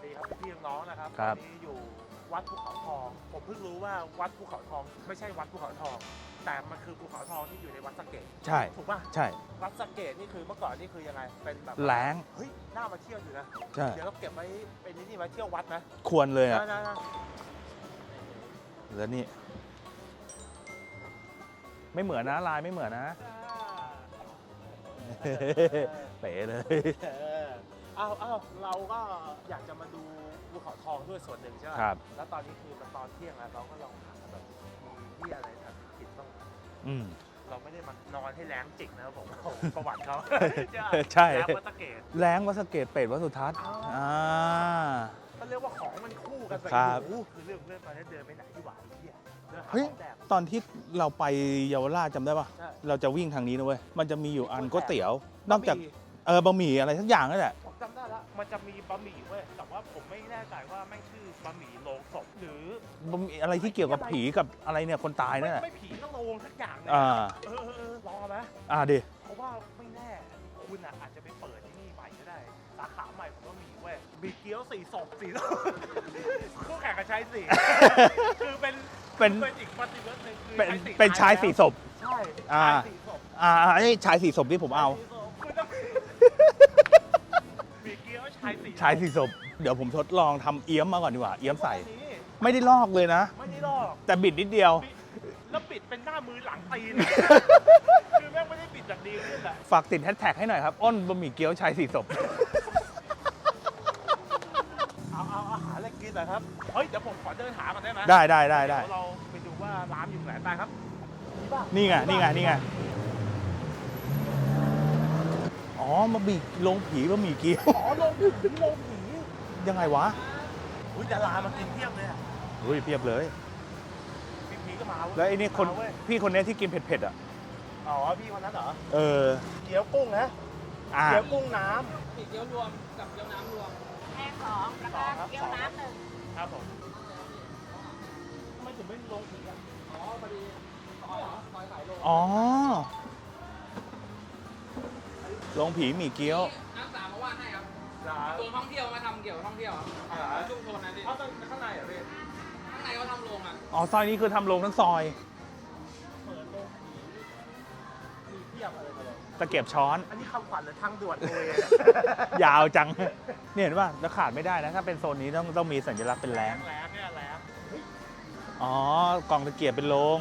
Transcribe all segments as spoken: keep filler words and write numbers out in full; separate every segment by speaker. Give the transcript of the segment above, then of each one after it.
Speaker 1: ดีครับพี่น้องนะครับ
Speaker 2: ครับ
Speaker 1: ตอนนี้อยู่วัดภูเขาทอง ผมเพิ่งรู้ว่าวัดภูเขาทองไม่ใช่วัดภูเขาทอง แต่มันคือภูเขาทองที่อยู่ในวัดสะเกษ
Speaker 2: ใช่
Speaker 1: ถูกป่ะ
Speaker 2: ใช่
Speaker 1: วัดสะเกษนี่คือเมื่อก่อนนี่คือยังไงเป็นแบบ
Speaker 2: แล้ง
Speaker 1: เฮ้ยน่ามาเที่ยวอยู่นะ
Speaker 2: ใช่
Speaker 1: เดี๋ยวเราเก็บไว้เป็นนี่ไว้เที่ยววัดนะ
Speaker 2: ควรเลยอ่ะ
Speaker 1: นะนะ
Speaker 2: แล้วนี่ ไม่เหมือนนะลายไม่เหมือนนะ เป๋เลย
Speaker 1: เออเอาเอาเราก็อยากจะมาดูภูเขาทองด้วยส่วนหนึ่งใช่ไหม
Speaker 2: ครับ
Speaker 1: แล้วตอนนี้คือมันตอนเที่ยงแล้วเราก็ลองหาแบบมีที่อะไรทำกินบ้าง
Speaker 2: อืม
Speaker 1: เราไม่ได้มานอนให้แรงจิกนะครับผมประวัติเขา
Speaker 2: ใช่
Speaker 1: แล้ววัดสะเกษ
Speaker 2: แล้งวัดสะเกตเป็ดวัดสุทัศน์
Speaker 1: อ๋ออ่
Speaker 2: อ่า
Speaker 1: ก็เรียกว่าของมันคู่กันไป
Speaker 2: ครับ
Speaker 1: โอ้โหคือเรื่องเรื่องตอนนี้เดินไปไหนที่หวานไอ้เที่ยเดินหา
Speaker 2: เฮ้ย
Speaker 1: ของแดก
Speaker 2: ตอนที่เราไปเยาวราชจำได้ปะ
Speaker 1: ใช่
Speaker 2: เราจะวิ่งทางนี้นะเว้ย มันจะมีอยู่อันก๋วยเตี๋ยว นอกจาก
Speaker 1: บะหมี่
Speaker 2: เออบะหมี่อะไรทั้งอย่างนั่นแหละ
Speaker 1: ผมจำได้ละมันจะมีบะหมี่เว้ยแต่ว่าผมไม่แน่ใจว่าไม่งชื่อบะหมี่โลงศพหรือบ
Speaker 2: ะหมี่อะไรที่เกี่ยวกับผีกับอะไรเนี่ยคนตายนั่นแหละ
Speaker 1: ไม่ผีก็โลงสักอย่างเนี่ย
Speaker 2: อ่า
Speaker 1: เออเออเออลองเอาไหม
Speaker 2: อ่าดิ
Speaker 1: เพราะว่าไม่แน่คุณอ่ะอาจจะไปเปิดที่นี่ใหม่ก็ได้ สาขาใหม่ผมก็มีเว้ยมีเกี๊ยวสี่ศพสี่ศพคู่แข่งกับชายสี่ คือเป็น
Speaker 2: เป็น
Speaker 1: เป็นอีกปฏิวัติหนึ่งคือ
Speaker 2: เป็น
Speaker 1: ชายสี่
Speaker 2: เป็นชายสี่ศพ
Speaker 1: ใช่
Speaker 2: อ่า
Speaker 1: ชายสี่ศพ
Speaker 2: อ่าไอ้ชายสี่ศพที่ผมเอา
Speaker 1: คุณต้องมีเกี๊ยวชายสี่
Speaker 2: ชายสี่ศพ เดี๋ยวผมทดลองทำเอี้ยมมาก่อนดีกว่า เอี้ยมใส่
Speaker 1: อันนี้
Speaker 2: ไม่ได้ลอกเลยนะ
Speaker 1: ไม่ได้ลอก
Speaker 2: แต่บิดนิดเดียว
Speaker 1: ปิดแล้วปิดเป็นหน้ามือหลังตีน คือแม่งไม่ได้ปิดแบบดีขึ้นแหละ
Speaker 2: ฝากติดแฮชแท็กให้หน่อยครับ อ้นบะหมี่เกี๊ยวชายสี่ศพ
Speaker 1: เอาเอาอาหารอะไรกินหน่อยครับ เฮ้ย เดี๋ยวผมขอเดินหาก่อนได้ไหม
Speaker 2: ได้ได้ได้ได้
Speaker 1: เยวเราไปดูว่าร้านอยู่ไหนไปครับนี่ป่ะ
Speaker 2: นี่ไง นี่ไง นี่ไง อ๋อมาบีลงผีบะหมี่เกี๊ยว
Speaker 1: อ๋อลงผีลงผี
Speaker 2: ยังไงวะ
Speaker 1: อุ้ยดารามากินเพียบเลยอะ
Speaker 2: เฮ้ยเพียบเลย
Speaker 1: พี่ผีก็มาเย
Speaker 2: แล้วไอ้นี่คน
Speaker 1: มาเว้ย
Speaker 2: พี่คนนี้ที่กินเผ็ดๆอ่ะ
Speaker 1: อ๋อ พี่คนนั้นเหรอ
Speaker 2: เออ
Speaker 1: เกี๊ยวกุ้งนะ
Speaker 2: อ่า
Speaker 1: เกี๊ยวกุ้งน้
Speaker 3: มีเกี๊ยวรวมกับเกี๊ยวน้ำรวม
Speaker 4: แห้งสองแล้วก็เกี๊ยวน้ำหนึ่ง
Speaker 1: ำครับผมทำไมถึงไม่ลงผีอ่ะ
Speaker 3: อ๋อพอดีซอยเหรอซอยขายโล
Speaker 2: อ๋อลงผีหมี่เกี๊ยว
Speaker 3: นักศึกษามาว่าดให้ครับ
Speaker 1: ร้าน
Speaker 3: โซนท่องเที่ยวมาทำเกี่ยวกับท่องเที่ยวครับ
Speaker 1: อ่า
Speaker 3: ชุมชนนะพี่
Speaker 1: เอาตอนข้างในเหรอพี่
Speaker 3: ข้างในเขาทำโรงอ่ะ
Speaker 2: อ๋อซอยนี้คือทำลงทั้งซอย
Speaker 1: เปิดลงผีมีเพียบอะไรมาเลย
Speaker 2: ตะเกียบช้อน
Speaker 1: อันนี้คำขวัญหรือทางด่วนเลย
Speaker 2: ยาวจัง เนี่ยเห็นป่ะแล้วขาดไม่ได้นะ ถ้าเป็นโซนนี้ต้องต้องมีสัญลักษณ์เป็นแรง
Speaker 1: แรงเนี่ยแรง
Speaker 2: อ๋อกล่องตะเกียบเป็นโรง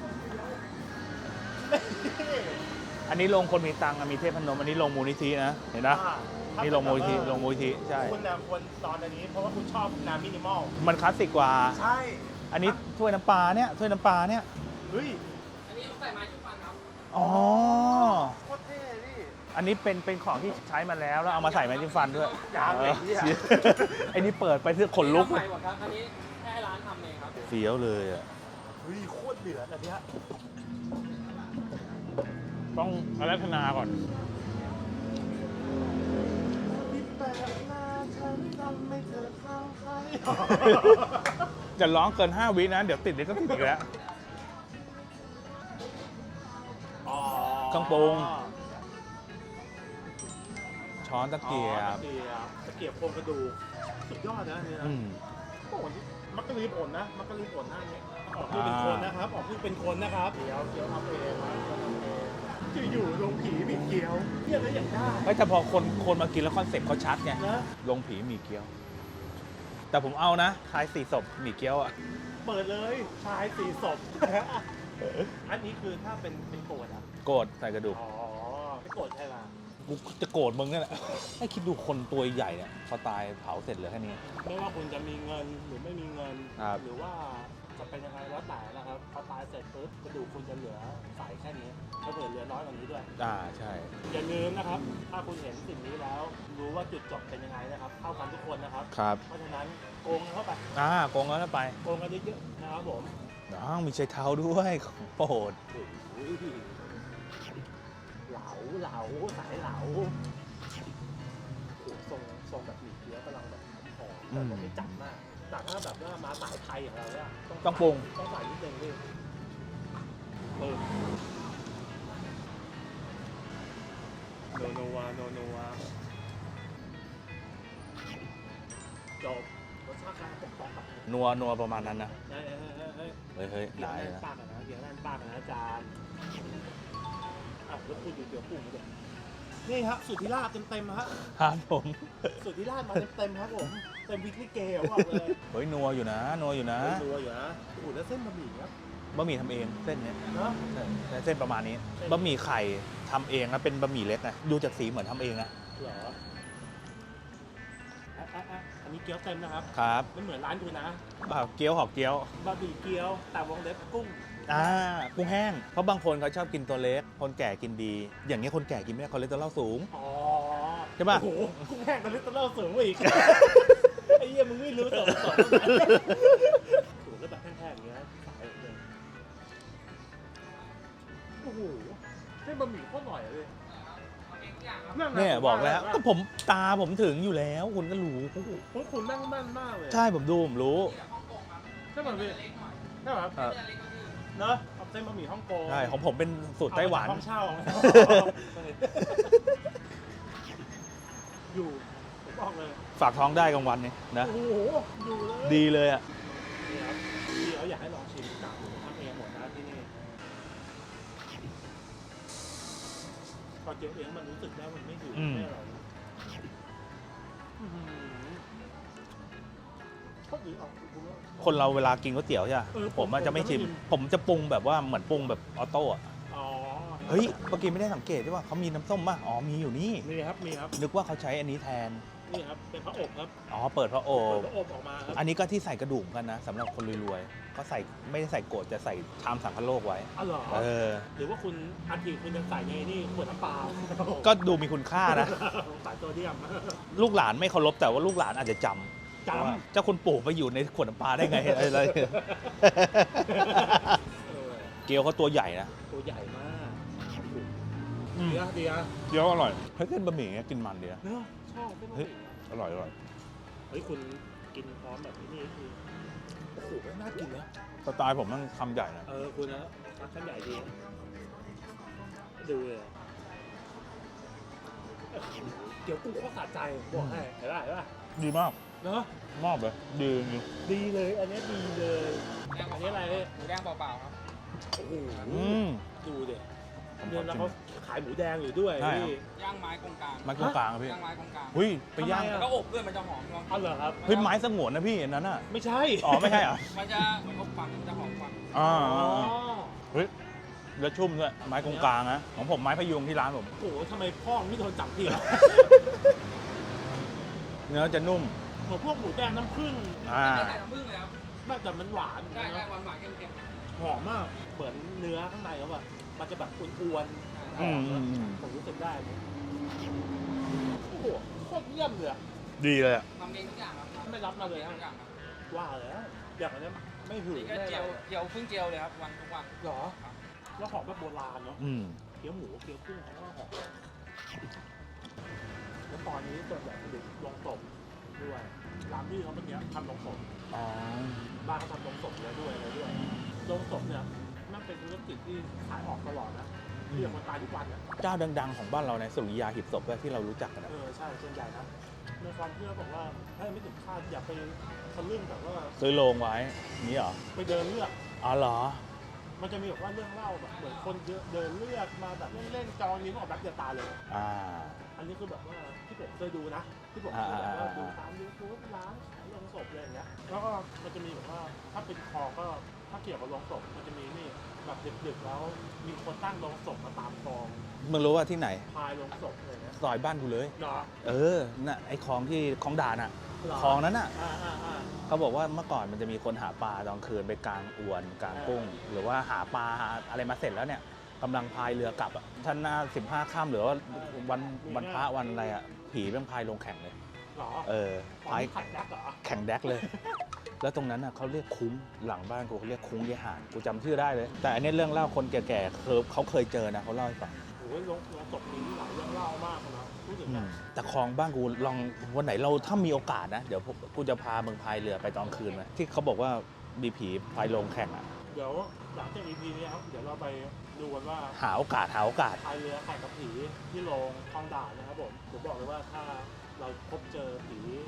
Speaker 2: อันนี้โรงคนมีตังค์อะมีเทพพนมอันนี้โรงมูลนิธินะ เห็นนะนี่โรงมูลนิธิโรงมูลนิธิใช่
Speaker 1: คุณนะควรตอนอันนี้เพราะว่าคุณชอบน้ำมินิมอล
Speaker 2: มันคลาสสิกกว่า
Speaker 1: ใช่
Speaker 2: อันนี้ถ้วยน้ำปลาเนี่ยถ้วยน้ำปลาเนี่ย
Speaker 1: เฮ้ย
Speaker 3: อันนี้ใส่ไม้จิ้มฟันครับ
Speaker 2: อ๋อ
Speaker 1: โคตรเท่พี่
Speaker 2: อันนี้เป็นเป็นของที่ใช้มาแล้วแล้วเอามาใส่แมจิ้มฟันด้วย
Speaker 1: ยาวเลยเนี่ย
Speaker 2: เออไอ้นี่เปิดไปที่ขนลุก
Speaker 3: ใหม่หมดครับ อันนี้ให้ร้านทำเองครับ
Speaker 2: เฟี้ยวเลยอ่ะ
Speaker 1: เฮ้ยโคตรเดือดอันเนี้ย
Speaker 2: ต้องอารัธนาก่อน
Speaker 1: ที่แปลกหน้าฉันทำให้เธอเข้าใคร
Speaker 2: จะร้องเกินห้าวินะ เดี๋ยวติดเดี๋ยวก็ติดอีกแล้ว
Speaker 1: อ๋อ
Speaker 2: เครื่องปรุง ช้อนตะเกีย
Speaker 1: อ๋อ
Speaker 2: บ
Speaker 1: ตะเกียบตะเกียบโครงกระดูกสุดยอดนะอันเนี่ยนะ
Speaker 2: อืม
Speaker 1: โอ้โหมักกะลีผลนะ มักกะลีผลหน้านี้ออกคือเป็นคนนะครับ ออกคือเป็นคนนะครับเกี๊ยวเกี๊ยวทำเองนะเกี๊ยวทำเองจะอยู่ลงผีมีเกี๊ยวเทียบได้อย่างได้
Speaker 2: เฮ้ยแต่พอคนคนมากินแล้วคอนเซ็ปต์เขาชัดไง
Speaker 1: นะ
Speaker 2: ลงผีหมี่เกี๊ยว แต่ผมเอานะชายสี่ศพหมี่เกี๊ยวอ่ะ
Speaker 1: เปิดเลยชายสี่ศพ อันนี้คือถ้าเป็นเป็นโกรธอ่ะ
Speaker 2: โกรธใส่กระดูก
Speaker 1: อ๋อไม่โกรธใช่ไหม
Speaker 2: กูจะโกรธมึงนั่นแหละ ให้คิดดูคนตัวใหญ่เนี่ยพอตายเผาเสร็จเหลือแค่นี้
Speaker 1: ไม่ว่าคุณจะมีเงินหรือไม่มีเงิน
Speaker 2: ครับ
Speaker 1: หรือว่าจะเป็นยังไงแล้วแต่นะครับพอตายเสร็จปุ๊บกระดูกคุณจะเหลือใสแค่นี้ก็เผื่อเหลือน้อยกว่านี้ด้วย
Speaker 2: อ่าใช่
Speaker 1: อย่าลืมนะครับ ถ้าคุณเห็นสิ่งนี้แล้ว รู้ว่าจุดจบเป็นยังไงนะครับเท่ากันทุกคนนะครับ
Speaker 2: ครับ
Speaker 1: เพราะฉะนั้นโกงเข้าไป
Speaker 2: อ่าโกงแล้วไป
Speaker 1: โกงกันเยอะๆนะครับผม
Speaker 2: น้องมีใช้เท้าด้วยของโปรด
Speaker 1: อุ้ยเหลาเหลาสายเหลาโอ้โหทรงทรงแบบหมี่เกี๊ยวกำลังแบบหอมแต่ว่าไม่จัดมากแต่ถ้าแบบว่ามาสายไทยอย่างเราเนี่ย
Speaker 2: ต้องปรุง
Speaker 1: ต้องใส่นิดนึงพี่เออโนโนวาโนโนวาจบจบรสชาติการปกป้องแบบ
Speaker 2: นัวนัวประมาณนั้นนะ
Speaker 1: เฮ้ยเฮ้ยเฮ้ย
Speaker 2: เฮ้ยเฮ้ย
Speaker 1: เดี๋ยว
Speaker 2: ได้
Speaker 1: แน่น
Speaker 2: นะ
Speaker 1: ปากนะเดี๋ยวแน่นปากนะอาจารย์อ้าวแล้วคุณอยู่เดี๋ยวปรุงมาด้วยนี่ฮะสุดที่ราบเต็มๆฮะ
Speaker 2: ครับผม
Speaker 1: สุดที่ราบมาเต็มๆครับผมเต็มวิกลิเกอะบอกเลย
Speaker 2: เฮ้ยนัวอยู่นะนัวอยู่นะ
Speaker 1: รัวอยู่นะโอ้โหแล้วเส้นบะหมี่ครับ
Speaker 2: บะหมี่ทำเองเส้นเนี้ย
Speaker 1: เนาะ
Speaker 2: ใช่ใช่เส้นประมาณนี้
Speaker 1: เส้น
Speaker 2: บะหมี่ไข่ทำเองนะเป็นบะหมี่เล็กนะดูจากสีเหมือนทำเองนะ
Speaker 1: เหรออ่ะอ่ะอ่ะอันนี้เกี๊ยวเต็มนะครับ
Speaker 2: ครับ
Speaker 1: ไม่เหมือนร้านคุณนะ
Speaker 2: แบบเกี๊ยวหอกเกี๊ยว
Speaker 1: บะหมี่เกี๊ยวแต่วงเล็บกุ้ง
Speaker 2: อ่ากุ้งแห้งเพราะบางคนเขาชอบกินตัวเล็กคนแก่กินดี อย่างเงี้ยคนแก่กินไม่ได้คอเลสเตอรอลสูง
Speaker 1: อ๋อ
Speaker 2: ใช่ปะ
Speaker 1: โอ้โหกุ้งแห้งกับลิตเติ้ลสูงกว่าอีก ไอ้เหี้ยมึงไม่รู้สองสองโอ้โหแล้วแบบแห้งๆอย่างเงี้ยสายเลยโอ้โหเส้นบะหมี่โคตรหน่อยเลย
Speaker 3: ทำเองทุกอย่างครับ
Speaker 1: นั่งะ
Speaker 2: เนี่ยบอกแล้ว
Speaker 1: ว่า
Speaker 2: ก็ผมตาผมถึงอยู่แล้วคุณก็รู้
Speaker 1: คุณคุณนั่งแม่นมากเลย
Speaker 2: ใช่ผมดูผมรู้
Speaker 3: ที่แบบฮ่องกงครับ
Speaker 1: ใช่ป่ะพี่
Speaker 3: เล็กหน่อย
Speaker 1: ใช่ป่ะครับ
Speaker 2: ครับ
Speaker 3: เส้นเล็กก็คือ
Speaker 1: เนอะเอาเส้นบะหมี่ฮ่องกง
Speaker 2: ใช่ของผมเป็นสูตรไต้หวัน
Speaker 1: เอามาจากห้องเช่า อยู่ผมบอกเลย
Speaker 2: ฝากท้องได้กลางวันเนี่ยนะ
Speaker 1: โอ้โหอยู่เลย
Speaker 2: ดีเลยอ่ะ
Speaker 1: นี่ครับพี่เขาอยากให้ลองชิมกากหมูทำเองหมดนะที่นี่พอเจอเองมันรู้สึกได้มันไม่หิว
Speaker 2: อืม
Speaker 1: ไม่อร่อยอื้อหือโคตรดีออกคุณว่า
Speaker 2: คนเราเวลากินก๋วยเตี๋ยวใช่ไหม
Speaker 1: เออ
Speaker 2: ผมอาจจะไม่ชิม
Speaker 1: ผมจะไม่ชิม
Speaker 2: ผมจะปรุงแบบว่าเหมือนปรุงแบบออโต้อะ
Speaker 1: อ๋อ
Speaker 2: เฮ้ยเมื่อกี้ไม่ได้สังเกตใช่ป่ะเขามีน้ำส้มป่ะอ๋อมีอยู่นี่
Speaker 1: มีครับมีครับ
Speaker 2: นึกว่าเขาใช้อันนี้แทน
Speaker 1: นี่ครับเป็นพระอบครับ
Speaker 2: อ๋อเปิดพระโอ
Speaker 1: เปิ
Speaker 2: บ
Speaker 1: ดพระอบออกมาครับ
Speaker 2: อันนี้ก็ที่ใส่กระดูกกันนะสำหรับคนรวยๆก็ใส่ไม่ได้ใส่โกรธจะใส่ชามสังคโลกไว้
Speaker 1: อ๋อเหรอ
Speaker 2: เออ
Speaker 1: หรือว่าคุณอาทิตย์คุณจะใส่ในนี่ขวดน้ำเปล่า
Speaker 2: ก็ดูมีคุณค่านะ
Speaker 1: สายโซเดียม
Speaker 2: ลูกหลานไม่เคารพแต่ว่าลูกหลานอาจจะจำ
Speaker 1: จำ
Speaker 2: ว่าเจ้าคุณปู่ไปอยู่ในขวดน้ำปลาได้ไงอะไร
Speaker 1: เออ
Speaker 2: เกี๊ยวเขาตัวใหญ่นะ
Speaker 1: ตัวใหญ่มากดีอะดีอะ
Speaker 2: เกี๊ยวอร่อยเฮ้ยเส้นบะหมี่เงี้ยกินมันดีนะ
Speaker 1: เนอะชอบเป็น
Speaker 2: เฮ้ย อร่อยอร่อย
Speaker 1: เฮ้ยคุณกินพร้อมแบบนี้นี่คือโอ้โหน่ากินนะ
Speaker 2: สไตล์ผมมันคำใหญ่นะ
Speaker 1: เออคุณนะรับชั้นใหญ่ดีดูเลยเดี๋ยวกูเขาสะใจบอกให้เห็นป่ะเห็นป่ะ
Speaker 2: ดีมาก
Speaker 1: เนาะ
Speaker 2: มากเลยดีจริง
Speaker 1: ดีเลยอันนี้ดีเลย
Speaker 3: แดง
Speaker 1: อัน
Speaker 3: เป
Speaker 1: นี้
Speaker 3: ล่า
Speaker 1: อะไรเนี่ย
Speaker 3: ๆหมูแดงเปล่าๆครับ
Speaker 1: โอ้โห
Speaker 2: อืม
Speaker 1: ดูดิ
Speaker 2: ผมข
Speaker 1: เดื
Speaker 2: อ
Speaker 1: อนแล้ว
Speaker 2: ชิม
Speaker 1: เขาขายหมูแดงอยู่ด้วย
Speaker 2: ใช่ครับ
Speaker 1: พี่
Speaker 3: ย่างไม้กงกลาง
Speaker 2: ไม้กลางกลางอะพี่
Speaker 3: ย่างไม้กงกลาง
Speaker 2: เฮ้ยไปย่าง
Speaker 1: ทำไมอะ
Speaker 3: แล้วก็อบด้วยมันจะหอมลอง
Speaker 1: เอาเหรอครับ
Speaker 2: เฮ้ยไม้สงวนนะพี่อันนั้นอ่ะ
Speaker 1: ไม่ใช่
Speaker 2: อ๋อไม่ใช่เหรอ
Speaker 3: มันจะเหมือนอบฟังมันจะหอมกว่า
Speaker 2: อ๋อ
Speaker 1: อ๋อ
Speaker 2: เฮ้ยแล้วชุ่มด้วยไม้กงกลางนะของผมไม้พยุงที่ร้านผม
Speaker 1: โอ้โหทำไมพ่อไม่โดนจับทีละ
Speaker 2: เนื้อจะนุ่ม
Speaker 1: เหมือนพวกหมูแดงน้ำผึ้ง
Speaker 2: อ่า
Speaker 3: ไม่ใส่น้ำผึ้งเลยครับ
Speaker 1: น่าจะมันหวาน
Speaker 3: ใช่ใช่
Speaker 1: นะ
Speaker 3: หวานหวานๆเค็ม
Speaker 1: หอมมาก เหมือนเนื้อข้างในเขาแบบมันจะแบบอ้วนๆ
Speaker 2: อืมอืมอืม
Speaker 1: ผมรู้สึกได้เลยโอ้โหโคตรเยี่ยมเลยอะ
Speaker 2: ดีเลยอ่ะ
Speaker 3: ๆทำเองทุกอย่างครับ
Speaker 1: ไม่รับมาเลย
Speaker 3: ทำเองทุกอย่างครับ
Speaker 1: ว่าแล้วอย่างอันนี้ไม่หื
Speaker 3: นี่
Speaker 1: น
Speaker 3: ก็
Speaker 1: ไม่
Speaker 3: เจี
Speaker 1: อะ
Speaker 3: ยว
Speaker 1: ไร
Speaker 3: เจียวเพิ่งเจียวเลยครับวันทุกวัน
Speaker 1: หรอ แล้วหอมแบบโบราณเนาะ
Speaker 2: อืม
Speaker 1: เกี๊ยวหมูเกี๊ยวกุ้งเขาก็หอมแล้วตอนนี้ส่วนใหญ่ผลิตลงศพด้วยร้านที่เขาเมื่อกี้ทำลงศพ
Speaker 2: อ๋อ
Speaker 1: บ้านเขาทำลงศพเลยด้วยอะไรด้วยลงศพเนี่ยนั่นเป็นธุรกิจที่ขายออกตลอดนะที่อย่างคนตายทุกวันเนี่ย
Speaker 2: เจ้าดัง ๆ ของบ้านเราในสุริยาหีบศพด้วยที่เรารู้จักกันนะ
Speaker 1: เออใช่ส่วนใหญ่นะในความเชื่อบอกว่าให้ไม่ถึงคาดอย่าไปทะลึ่งแบบว่า
Speaker 2: ซื้อโรงไว้นี่เหรอ
Speaker 1: ไปเดินเลือก
Speaker 2: อ๋อเหรอ
Speaker 1: มันจะมีแบบว่าเรื่องเล่าแบบเหมือนคนเดินเลือกมาแบบเล่นๆจองนี้ก็ออกแบบเดียวตาเลย
Speaker 2: อ่า
Speaker 1: อันนี้คือแบบว่าที่ผมเคยดูนะ ที่ผม
Speaker 2: อ่า
Speaker 1: เคยแบบว่า
Speaker 2: อ่า
Speaker 1: ดูตามยูทูบร้านขายโรงศพอะไรอย่างเงี้ยแล้วก็มันจะมีแบบว่าถ้าเป็นคอก็ถ้าเกี่ยวกับโรงศพมันจะมีนี่แบบดึกๆแล้วมีคนตั้งโรงศพมาตามคลอง
Speaker 2: มึงรู้ว่าที่ไหน
Speaker 1: พายโรงศพอะไรเงี้ย
Speaker 2: ซอยบ้านกูเลย
Speaker 1: เนาะ
Speaker 2: เออ น่ะ ไอ้คลองที่คลองด่านอ่ะ
Speaker 1: เหร
Speaker 2: คลองนั้นอ่ะ
Speaker 1: อ่าอ่าอ่า
Speaker 2: เขาบอกว่าเมื่อก่อนมันจะมีคนหาปลาตอนคืนไปกลางอวนกลางกุ้ง หรือว่าหาปลาหาอะไรมาเสร็จแล้วเนี่ยกำลังพายเรือกลับอ่ะท่านหน้าสิบห้าค่ำหรือว่าวันวันพระวันอะไรอ่ะ ผีเป็นพายลงแข่งเลย
Speaker 1: เหรอ
Speaker 2: เออ
Speaker 1: ตอน
Speaker 2: พาย
Speaker 1: นี้ขัดแบ็กเหรอ
Speaker 2: แข่งแดกเลย แล้วตรงนั้นอ่ะเขาเรียกคุ้งหลังบ้านกูเขาเรียกคุ้งเยหานกูจำชื่อได้เลย แต่อันนี้เรื่องเล่าคนแก่ๆเคยเขาเคยเจอนะเขาเล่าให้ฟัง
Speaker 1: โอ้ยโรงโรงศพนี้หลายเรื่องเล่ามากเลยนะพูดถึง
Speaker 2: อื
Speaker 1: นะ
Speaker 2: มแต่คลองบ้านกูลองวันไหนเราถ้ามีโอกาสนะ เดี๋ยวกูจะพามึงพายเรือไปตอนคืนไหมที่เขาบอกว่ามีผีพายลงแข่งอ่ะ
Speaker 1: เดี๋ยวหลังจาก อี พี นี้ครับเดี๋ยวเราไปดูกันว่า
Speaker 2: หาโอกาสหาโอกาส
Speaker 1: พายเรือแข่งกับผีที่โรงคลองด่านนะครับผมผมบอกเลยว่าถ้าเราพบเจอผี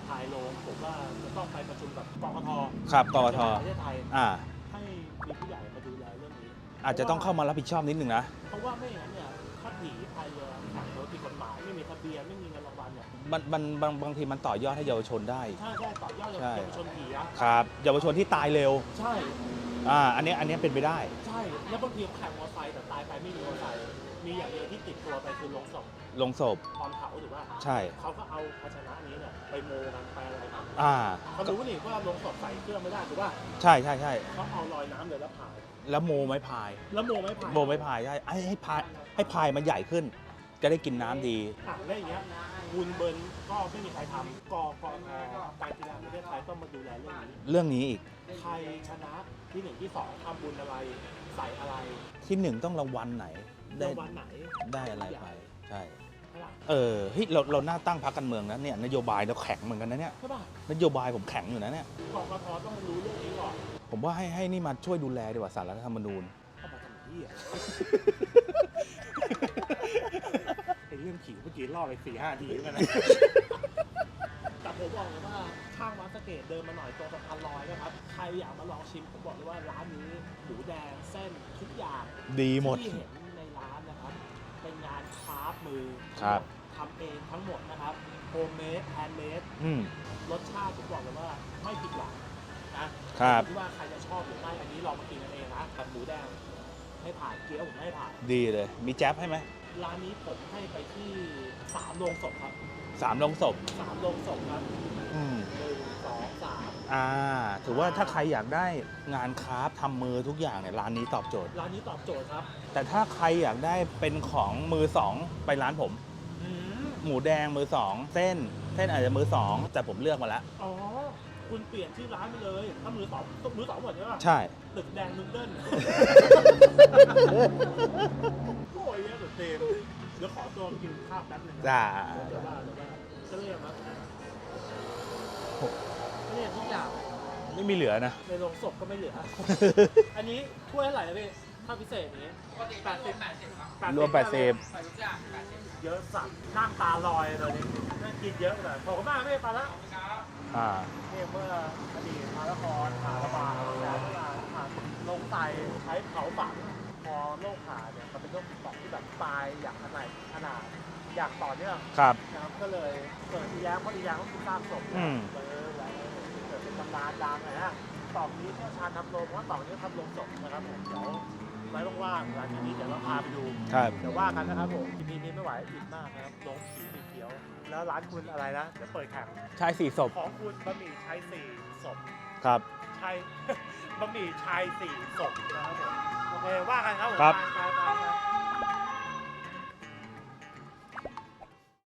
Speaker 1: พายโรงผมว่าจะต้องไปประชุมกับกกท
Speaker 2: ครับกกท
Speaker 1: ประเทศไทย
Speaker 2: อ่า
Speaker 1: ให้มีผู้ใหญ่มาดูแลเรื่องนี้
Speaker 2: อาจจะต้องเข้ามารับผิดชอบนิดนึงนะ
Speaker 1: เพราะว่าไม่อย่างนั้นเนี่ยถ้าผีพายเรือแข่งรถผิดกฎหมายไม่มีทะเบียนไม่มีเงินรางวัลเนี่ย
Speaker 2: มันมันบางบางทีมันต่อยอดให้เยาวชนได้
Speaker 1: ใช่ใช่ต่อยอด
Speaker 2: ใช่
Speaker 1: เยาวชนผีนะครับ
Speaker 2: เยาวชนที่ตายเร็ว
Speaker 1: ใช่
Speaker 2: อ่า อันเนี้ยอันเนี้ยเป็นไปได้
Speaker 1: ใช่แล้วบางทีแข่งมอเตอร์ไซค์แต่ตายไปไม่มีมอเตอร์ไซค์มีอย่างเดียวที่ติดตัวไปคือลงศพ
Speaker 2: ลงศพ
Speaker 1: ตอนเผาถูกป่ะ
Speaker 2: ใช่
Speaker 1: เขาก็เอาภาชนะนี้เนี่ยไปโมกันไปอะไรกัน
Speaker 2: อ่า
Speaker 1: เขารู้นี่ว่าลงศพใส่เครื่องไม่ได้ถูกป่ะ
Speaker 2: ใช่ใช่ใช่
Speaker 1: เขาเอาลอยน้ำเลยแล้วพาย
Speaker 2: แล้วโมไม้พาย
Speaker 1: แล้วโมไม่พาย
Speaker 2: โมไม้พายได้ให้ให้พายให้พายมันใหญ่ขึ้น จะได้กินน้ำดี
Speaker 1: อ่ะแล้วอย่างเงี้ยวุนเบิร์นก็ไม่มีใครทำกกทการกีฬาประเทศไทยต้องมาดูแลเรื่องนี้
Speaker 2: เรื่องนี้อีก
Speaker 1: ใครชนะที่หนึ่งที่สองทำบุญอะไรใส่อะไร
Speaker 2: ที่หนึ่งต้องรางวัลไหน ได้
Speaker 1: รางวัลไหน
Speaker 2: ได้อะไรไป ใช่
Speaker 1: ใช่ป่ะ
Speaker 2: เออเฮ้ยเราเราหน้าตั้งพรรคการเมืองนะเนี่ยนโยบายเราแข็งเหมือนกันนะเนี่ย
Speaker 1: ใช่ป่ะ
Speaker 2: นโยบายผมแข็งอยู่นะเนี่ย
Speaker 1: กกทต้องรู้เรื่องนี้ก่อน
Speaker 2: ผมว่าให้ให้นี่มาช่วยดูแลดีกว่าสารรัฐธรรมนูญ
Speaker 1: เข้ามาทำที่อ่ะ ไอเรื่องขิงเมื่อกี้ล่อไปสี่ห้าทีแล้วนะแต่ผมบอกเลยว่าข้างวัดสะเกตเดินมาหน่อยตรงสะพานลอยนะครับใครอยากมาลองชิมผมบอกเลยว่าร้านนี้หมูแดงเส้นทุกอย่าง
Speaker 2: ดีหมด
Speaker 1: ที่เห็นในร้านนะครับ เป็นงานคราฟต์มือ
Speaker 2: ครับ
Speaker 1: ทำเองทั้งหมดนะครับโฮมเมดแฮนด์เมด
Speaker 2: อืม
Speaker 1: รสชาติผมบอกเลยว่าไม่ผิดหวังนะครับ อยู่ที่ว่าใครจะชอบหรือไม่อันนี้ลองมากินกันเองนะกับหมูแดงให้ผ่านเกี๊ยวผมให้ผ่าน
Speaker 2: ดีเลย มีแจ๊บให้ไหม
Speaker 1: ร้านนี้ผมให้ไปที่สามโรงศพครับ
Speaker 2: สามลงศพ
Speaker 1: สามโรงศพครับ
Speaker 2: อืม
Speaker 1: หนึ่งสองสาม
Speaker 2: อ่า ถือว่าถ้าใครอยากได้งานคราฟต์ทำมือทุกอย่างเนี่ยร้านนี้ตอบโจทย์
Speaker 1: ร้านนี้ตอบโจทย์ครับ
Speaker 2: แต่ถ้าใครอยากได้เป็นของมือสองไปร้านผม
Speaker 1: อืม
Speaker 2: หมูแดงมือสองเส้น เส้นอาจจะมือสองแต่ผมเลือกมาแล้ว
Speaker 1: อ๋อคุณเปลี่ยนที่ร้านไปเลยถ้ามือสองต้องมือสองหมดใช่ปะ
Speaker 2: ใช่
Speaker 1: ตึกแดงนุดเดิล โอ้ยเนี่ยเดี๋ยวเต็มเดี๋ยวขอตัวกินข้าวแป๊บนึงนะ
Speaker 2: จ้า
Speaker 1: เดี๋ยวว่าเดี๋ยวว่าจะเรียกมั้ยเรียกทุกอย่าง
Speaker 2: ไม่มีเหลือนะ
Speaker 1: ในโรงศพก็ไม่เหลือ อันนี้ถ้วยเท่าไหร่นะพี่ถ้าพิเศษอย่างนี้
Speaker 3: ปกติก็รวมแปดสิบครับ
Speaker 2: รวมแปดสิบ
Speaker 3: ใส่ทุกอย่างแปดสิบ
Speaker 1: เยอะสัตว์นั่งตาลอยเลยนี่นั่งกินเยอะเลยขอบคุณมากพี่ปาละ
Speaker 3: ครับ
Speaker 2: อ่า
Speaker 1: เนี่ยเมื่ออดีตมาละครผ่าระบาดแล้วเวลาผ่านลงไตใช้เผาฝังพอโรคผ่าเนี่ยมันเป็นโรคติดต่อที่แบบตายอย่างขนาดขนาดอย่างต่อเนื่อง
Speaker 2: ครับ
Speaker 1: นะครับก็เลยเกิดอีแย้มเพราะอีแย้มก็คือสร้างศพ
Speaker 2: อืม
Speaker 1: เออแล้วเกิดเป็นตำนานดังเลยฮะต่อนี้เชี่ยวชาญทำโรงเพราะว่าต่อนี้ทำโรงศพนะครับผมเดี๋ยวไว้ว่างๆหลังจากนี้เดี๋ยวเราพาไปดู
Speaker 2: ครับ
Speaker 1: เดี๋ยวว่ากันนะครับผมทีนี้นี้ไม่ไหวอิ่มมากนะครับลงผีสีเขียว แล้วร้านคุณอะไรนะเดี๋ยวเปิดแข่ง
Speaker 2: ชายสี่ศพ
Speaker 1: ของคุณบะหมี่ชายสี่ศพ
Speaker 2: ครับ
Speaker 1: ชาย บะหมี่ชายสี่ศพนะครับผมโอเคว่ากันครับผม
Speaker 2: ครับ
Speaker 1: ไป